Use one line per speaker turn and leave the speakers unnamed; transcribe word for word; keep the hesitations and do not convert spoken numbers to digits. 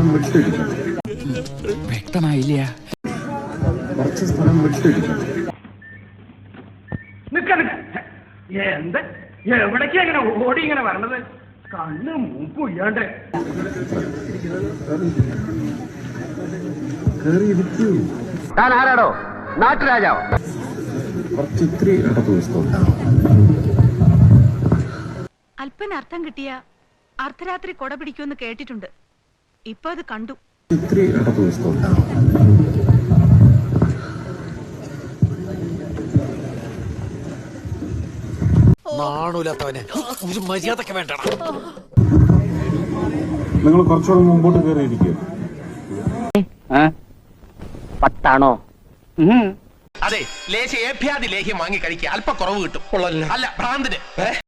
വ്യക്തമായില്ല.
കുറച്ച് സ്ഥലം വിട്ടിരിക്കും.
എന്ത് എവിടേക്കാ ഇങ്ങനെ ഓടി ഇങ്ങനെ വരണത്? കണ്ണ് മൂക്കും ഇല്ലാണ്ട്
താൻ ആരാടോ? നാട്ടുരാജാവോ?
കുറച്ച് ഇത്തിരി ഇടത്ത് ദിവസം
അല്പന അർത്ഥം കിട്ടിയ അർദ്ധരാത്രി കൊട പിടിക്കുമെന്ന് കേട്ടിട്ടുണ്ട്. ഇപ്പൊ അത് കണ്ടു.
ഇത്തിരി ഇടത്ത് ദിവസം
നാണൂലത്തവനെ ഒരു മര്യാദക്ക് വേണ്ട.
നിങ്ങൾ കുറച്ചുകൂടെ മുമ്പോട്ട് കയറിയിരിക്കുക.
പത്താണോ?
അതെ, ലേശ ഏഭ്യാദി ലേഹ്യം വാങ്ങി കഴിക്കുക, അല്പ കുറവ് കിട്ടും. അല്ല ഭ്രാന്തിന്